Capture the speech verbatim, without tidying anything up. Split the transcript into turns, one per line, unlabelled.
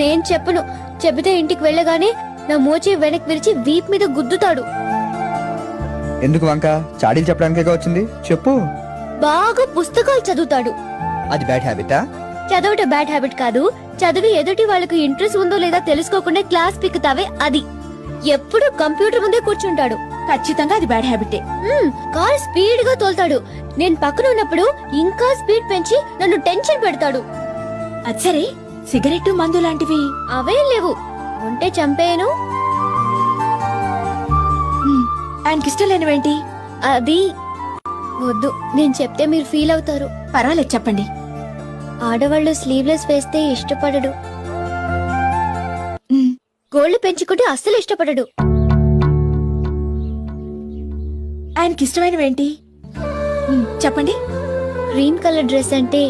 నేను చెప్పను. చెబితే ఇంటికి వెళ్ళగానే నా మోచే వెనక్కి విరిచి వీప్ మీద గుద్దుతాడు.
ఎందుకు వంక? చాడీలు చెప్పడానికే వచ్చింది, చెప్పు.
బాగా పుస్తకాలు చదువుతాడు.
అది బ్యాడ్ హ్యాబిటా?
చదవటం బ్యాడ్ హ్యాబిట్ కాదు. చదివి ఎదుటి వాళ్ళకు ఇంట్రెస్ట్ ఉందో లేదా తెలుసుకోకుండా క్లాస్ పిక్కుతావే అది. ఎప్పుడు కంప్యూటర్ ముందే కూర్చుంటాడు.
ఖచ్చితంగా అది బ్యాడ్ హ్యాబిటే.
మ్మ్, కార్ స్పీడ్ గా తోలుతాడు. నేను పక్కన ఉన్నప్పుడు ఇంకా స్పీడ్ పెంచి నన్ను టెన్షన్ పెడతాడు.
అది సరే, సిగరెట్ మందు లాంటివి
అవేం లేవు. ఉంటే చంపేయను.
మ్, ఆయనకి ఇష్టం లేనివేంటి?
అది వద్దు, నేను చెప్తే మీరు ఫీల్ అవుతారు.
పర్వాలేదు, చెప్పండి.
ఆడవాళ్ళు స్లీవ్లెస్ వేస్తే ఇష్టపడడు.
మ్,
గోళ్లు పెంచుకుంటే అస్సలు ఇష్టపడడు.
ఆయనకి ఇష్టమైనవేంటి? మ్, చెప్పండి.
గ్రీన్ కలర్ డ్రెస్ అంటే